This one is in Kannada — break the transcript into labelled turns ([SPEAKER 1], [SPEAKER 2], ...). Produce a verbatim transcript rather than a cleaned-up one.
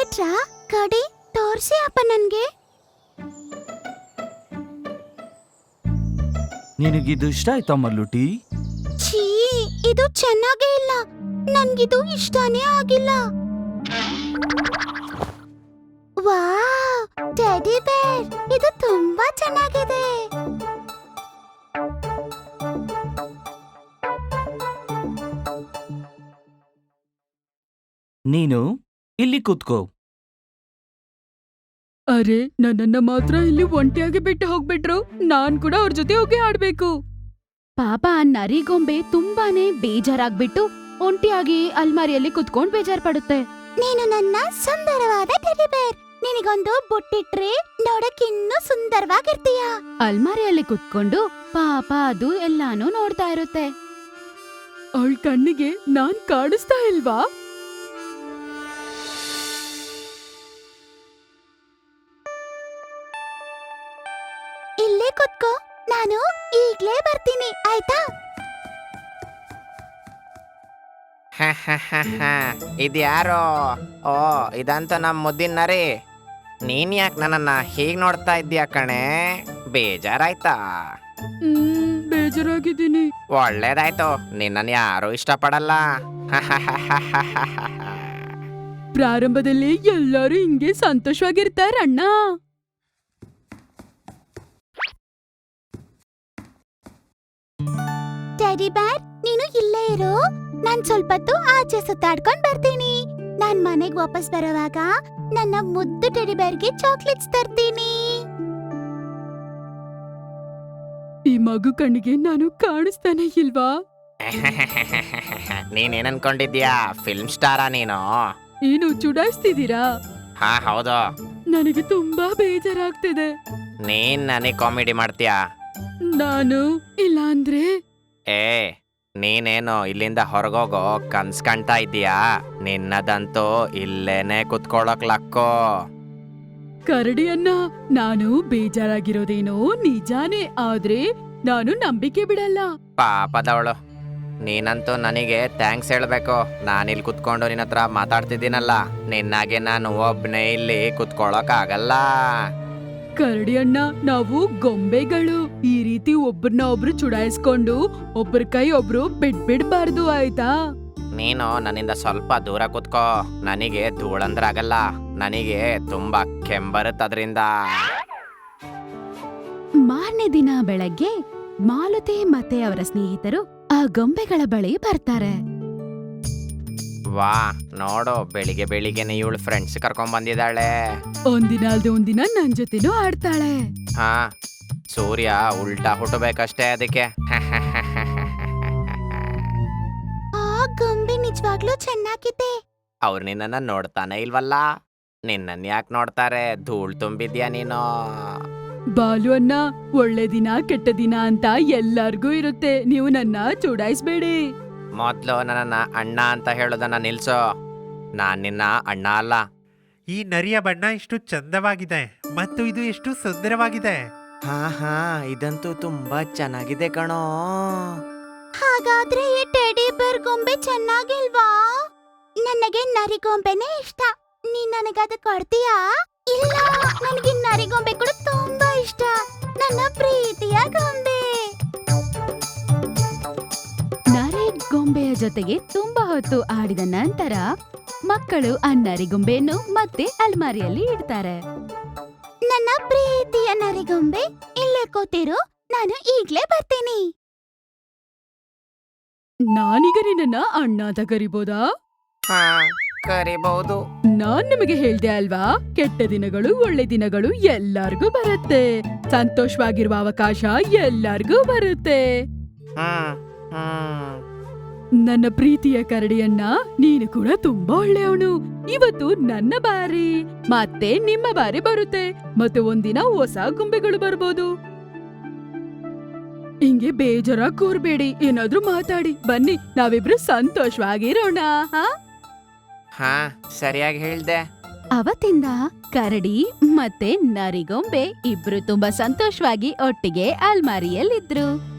[SPEAKER 1] ತಂದಿಟ್ರಾ? ಕಡಿ ತೋರ್ಸಿ ಅಪ್ಪ ನನ್ಗೆ.
[SPEAKER 2] ನಿನಗಿದು ಇಷ್ಟ ಆಯ್ತಾ ಮಲ್ಲುಟಿ?
[SPEAKER 1] ಛೀ, ಇದು ಚೆನ್ನಾಗೇ ಇಲ್ಲ. ನನ್ಗಿದು ಇಷ್ಟನೇ ಆಗಿಲ್ಲ. ವಾವ್, ಟೆಡಿ ಬೇರ್, ಇದು ತುಂಬಾ ಚೆನ್ನಾಗಿದೆ.
[SPEAKER 2] ನೀನು ಇಲ್ಲಿ ಕೂತ್ಕೋ.
[SPEAKER 3] ಅರೆ, ನನ್ನನ್ನ ಮಾತ್ರ ಇಲ್ಲಿ ಒಂಟಿಯಾಗಿ ಬಿಟ್ಟು ಹೋಗ್ಬಿಟ್ರು. ನಾನ್ ಕೂಡ ಅವ್ರ ಜೊತೆ ಹೋಗಿ ಆಡ್ಬೇಕು.
[SPEAKER 4] ಪಾಪ ನರಿಗೊಂಬೆ ತುಂಬಾನೇ ಬೇಜಾರಾಗ್ಬಿಟ್ಟು ಒಂಟಿಯಾಗಿ ಅಲ್ಮಾರಿಯಲ್ಲಿ ಕುತ್ಕೊಂಡ್ ಬೇಜಾರ್ ಪಡುತ್ತೆ.
[SPEAKER 1] ನೀನು ನನ್ನ ಸುಂದರವಾದ ಟೆಡಿ ಬೇರ್. ನಿನಗೊಂದು ಬುಟ್ಟಿಟ್ರೆ ನೋಡಕ್ಕಿನ್ನೂ ಸುಂದರವಾಗಿರ್ತೀಯ.
[SPEAKER 4] ಅಲ್ಮಾರಿಯಲ್ಲಿ ಕುತ್ಕೊಂಡು ಪಾಪ ಅದು ಎಲ್ಲಾನು ನೋಡ್ತಾ ಇರುತ್ತೆ.
[SPEAKER 3] ಅವಳ ಕಣ್ಣಿಗೆ ನಾನ್ ಕಾಣಿಸ್ತಾ ಇಲ್ವಾ?
[SPEAKER 1] ಇಲ್ಲೇ ಕುತ್ಕೋ, ನಾನು ಈಗ್ಲೇ ಬರ್ತೀನಿ, ಆಯ್ತಾ?
[SPEAKER 5] ಇದ್ಯಾರೋ? ಓ, ಇದಂತೂ ನಮ್ಮ ಮುದ್ದಿನ ನರಿ. ನೀನ್ ಯಾಕೆ ನನ್ನನ್ನ ಹೀಗ್ ನೋಡ್ತಾ ಇದ್ದೀಯ ಕಣೆ? ಬೇಜಾರಾಯ್ತಾ?
[SPEAKER 3] ಹ್ಮ್ ಬೇಜಾರಾಗಿದ್ದೀನಿ.
[SPEAKER 5] ಒಳ್ಳೇದಾಯ್ತು, ನಿನ್ನನ್ ಯಾರು ಇಷ್ಟಪಡಲ್ಲ.
[SPEAKER 3] ಪ್ರಾರಂಭದಲ್ಲಿ ಎಲ್ಲರೂ ಹಿಂಗೆ ಸಂತೋಷವಾಗಿರ್ತಾರಣ್ಣ.
[SPEAKER 1] ಟೆಡಿ ಬೇರ್, ನೀನು ಇಲ್ಲೇ ಇರು. ನಾನ್ ಸ್ವಲ್ಪ ಹೊತ್ತು ಆಚೆ ಸುತ್ತಾಡ್ಕೊಂಡ್ ಬರ್ತೀನಿ. ನಾನ್ ಮನೆಗ್ ವಾಪಸ್ ಬರೋವಾಗ ನನ್ನ ಮುದ್ದು ಟೆಡಿ ಬೇರ್ಗೆ ಚಾಕ್ಲೇಟ್ಸ್ ತರ್ತೀನಿ.
[SPEAKER 3] ಈ ಮಗು ಕಣ್ಣಿಗೆ ನಾನು ಕಾಣಿಸ್ತಾನೆ ಇಲ್ವಾ?
[SPEAKER 5] ನೀನೇನ್ ಅನ್ಕೊಂಡಿದ್ಯಾ? ಫಿಲ್ಮ್ ಸ್ಟಾರಾ ನೀನು?
[SPEAKER 3] ಏನು ಚುಡಾಯಿಸ್ತಿದ್ದೀರಾ?
[SPEAKER 5] ಹಾ ಹೌದು.
[SPEAKER 3] ನನಗೆ ತುಂಬಾ ಬೇಜಾರಾಗ್ತಿದೆ.
[SPEAKER 5] ನೀನ್ ನನಗ್ ಕಾಮಿಡಿ ಮಾಡ್ತೀಯಾ?
[SPEAKER 3] ನಾನು ಇಲ್ಲ ಅಂದ್ರೆ
[SPEAKER 5] ಏ, ನೀನೇನು ಇಲ್ಲಿಂದ ಹೊರಗೋಗೋ ಕನ್ಸ್ ಕಾಣ್ತಾ ಇದ್ದೀಯಾ? ನಿನ್ನದಂತೂ ಇಲ್ಲೇನೆ ಕುತ್ಕೊಳ್ಳೋಕ್ ಲಕ್ಕೋ.
[SPEAKER 3] ಕರಡಿಯನ್ನ, ನಾನು ಬೇಜಾರಾಗಿರೋದೇನೋ ನಿಜಾನೇ, ಆದ್ರೆ ನಾನು ನಂಬಿಕೆ ಬಿಡಲ್ಲ.
[SPEAKER 5] ಪಾಪದವಳು, ನೀನಂತೂ ನನಗೆ ಥ್ಯಾಂಕ್ಸ್ ಹೇಳ್ಬೇಕು. ನಾನಿಲ್ಲಿ ಕುತ್ಕೊಂಡು ನಿನ್ನ ಹತ್ರ ಮಾತಾಡ್ತಿದ್ದೀನಲ್ಲ, ನಿನ್ನಾಗೆ ನಾನು ಒಬ್ನೇ ಇಲ್ಲಿ ಕುತ್ಕೊಳ್ಳೋಕ್ ಆಗಲ್ಲ.
[SPEAKER 3] ಕರಡಿಯಣ್ಣ, ನಾವು ಗೊಂಬೆಗಳು. ಈ ರೀತಿ ಒಬ್ರನ್ನ ಒಬ್ರು ಚುಡಾಯಿಸ್ಕೊಂಡು ಒಬ್ರ ಕೈ ಒಬ್ರು ಬಿಡ್ಬಿಡ್ಬಾರ್ದು, ಆಯ್ತಾ?
[SPEAKER 5] ನೀನು ನನ್ನಿಂದ ಸ್ವಲ್ಪ ದೂರ ಕುತ್ಕೋ. ನನಗೆ ಧೂಳಂದ್ರಾಗಲ್ಲ, ನನಗೆ ತುಂಬಾ ಕೆಂಬರುತ್ತದ್ರಿಂದ.
[SPEAKER 4] ಮಾರನೇ ದಿನ ಬೆಳಗ್ಗೆ ಮಾಲತಿ ಮತ್ತೆ ಅವರ ಸ್ನೇಹಿತರು ಆ ಗೊಂಬೆಗಳ ಬಳಿ ಬರ್ತಾರೆ.
[SPEAKER 5] ವಾ, ನೋಡು, ಬೆಳಿಗ್ಗೆ ಬೆಳಿಗ್ಗೆನೆ ಇವಳು ಫ್ರೆಂಡ್ಸ್ ಕರ್ಕೊಂಡ್ ಬಂದಿದ್ದಾಳೆ.
[SPEAKER 3] ಒಂದಿನ ಅಲ್ದೆ ಒಂದಿನ ನನ್ ಜೊತೆನೂ ಆಡ್ತಾಳೆ.
[SPEAKER 5] ಹಾ, ಸೂರ್ಯ ಉಲ್ಟಾ ಹುಟ್ಟಬೇಕಷ್ಟೇ ಅದಕ್ಕೆ.
[SPEAKER 1] ಆ ಗೊಂಬೆ ನಿಜವಾಗ್ಲೂ ಚೆನ್ನಾಗಿದೆ.
[SPEAKER 5] ಅವ್ರು ನಿನ್ನನ್ನ ನೋಡ್ತಾನೆ ಇಲ್ವಲ್ಲ? ನಿನ್ನನ್ ಯಾಕೆ ನೋಡ್ತಾರೆ? ಧೂಳ್ ತುಂಬಿದ್ಯಾ ನೀನು?
[SPEAKER 3] ಬಾಲು ಅಣ್ಣ, ಒಳ್ಳೆ ದಿನ ಕೆಟ್ಟ ದಿನ ಅಂತ ಎಲ್ಲಾರ್ಗೂ ಇರುತ್ತೆ. ನೀವು ನನ್ನ ಚುಡಾಯಿಸ್ಬೇಡಿ.
[SPEAKER 5] ಮೊದ್ಲು ನನ್ನನ್ನ ಅಣ್ಣ ಅಂತ ಹೇಳೋದನ್ನ ನಿಲ್ಸು. ನಾನ್ ನಿನ್ನ ಅಣ್ಣ ಅಲ್ಲ.
[SPEAKER 6] ಈ ನರಿಯ ಬಣ್ಣ ಎಷ್ಟು ಚಂದವಾಗಿದೆ ಮತ್ತು ಇದು ಎಷ್ಟು ಸುಂದರವಾಗಿದೆ.
[SPEAKER 5] ಹಾ ಹಾ, ಇದಂತೂ ತುಂಬಾ ಚೆನ್ನಾಗಿದೆ ಕಣೋ.
[SPEAKER 1] ಹಾಗಾದ್ರೆ ಈ ಟೆಡಿ ಬೇರ್ ಗೊಂಬೆ ಚೆನ್ನಾಗಿಲ್ವಾ? ನನಗೆ ನರಿಗೊಂಬೆನೇ ಇಷ್ಟ. ನೀನ್ ನನಗದ ಕೊಡ್ತೀಯಾ? ಇಲ್ಲ, ನನಗೆ ನರಿಗೊಂಬೆ ಕೂಡ ತುಂಬಾ ಇಷ್ಟ. ನನ್ನ ಪ್ರೀತಿಯ ಗೊಂಬೆ.
[SPEAKER 4] ನರಿ ಗೊಂಬೆಯ ಜೊತೆಗೆ ತುಂಬಾ ಹೊತ್ತು ಆಡಿದ ನಂತರ ಮಕ್ಕಳು ಆ ನರಿಗೊಂಬೆಯನ್ನು ಮತ್ತೆ ಅಲ್ಮಾರಿಯಲ್ಲಿ ಇಡ್ತಾರೆ.
[SPEAKER 1] ನನ್ನ ಪ್ರೀತಿಯ ನರಿಗೊಂಬೆ, ಇಲ್ಲೇ ಕೂತಿರು, ನಾನು ಈಗ್ಲೇ ಬರ್ತೀನಿ.
[SPEAKER 3] ನಾನೀಗ ನಿನ್ನ ಅಣ್ಣ ಅಂತ ಕರಿಬೋದಾ?
[SPEAKER 5] ಹಾ, ಕರಿಬಹುದು.
[SPEAKER 3] ನಾನ್ ನಿಮಗೆ ಹೇಳ್ದೆ ಅಲ್ವಾ, ಕೆಟ್ಟ ದಿನಗಳು ಒಳ್ಳೆ ದಿನಗಳು ಎಲ್ಲಾರ್ಗೂ ಬರುತ್ತೆ. ಸಂತೋಷವಾಗಿರುವ ಅವಕಾಶ ಎಲ್ಲಾರ್ಗೂ ಬರುತ್ತೆ.
[SPEAKER 5] ಹ್ಮ್ ಹ್ಮ್
[SPEAKER 3] ನನ್ನ ಪ್ರೀತಿಯ ಕರಡಿಯನ್ನ, ನೀನು ಕೂಡ ತುಂಬಾ ಒಳ್ಳೆಯವನು. ಇವತ್ತು ನನ್ನ ಬಾರಿ ಮತ್ತೆ ನಿಮ್ಮ ಬಾರಿ ಬರುತ್ತೆ. ಮತ್ತೆ ಒಂದಿನ ಹೊಸ ಗೊಂಬೆಗಳು ಬರ್ಬೋದು. ಹಿಂಗೆ ಬೇಜಾರಾಗಿ ಕೂರ್ಬೇಡಿ, ಏನಾದ್ರೂ ಮಾತಾಡಿ. ಬನ್ನಿ, ನಾವಿಬ್ರು ಸಂತೋಷವಾಗಿರೋಣ. ಹಾ
[SPEAKER 5] ಹಾ, ಸರಿಯಾಗಿ ಹೇಳ್ದೆ.
[SPEAKER 4] ಅವತ್ತಿಂದ ಕರಡಿ ಮತ್ತೆ ನರಿಗೊಂಬೆ ಇಬ್ರು ತುಂಬಾ ಸಂತೋಷವಾಗಿ ಒಟ್ಟಿಗೆ ಅಲ್ಮಾರಿಯಲ್ಲಿದ್ರು.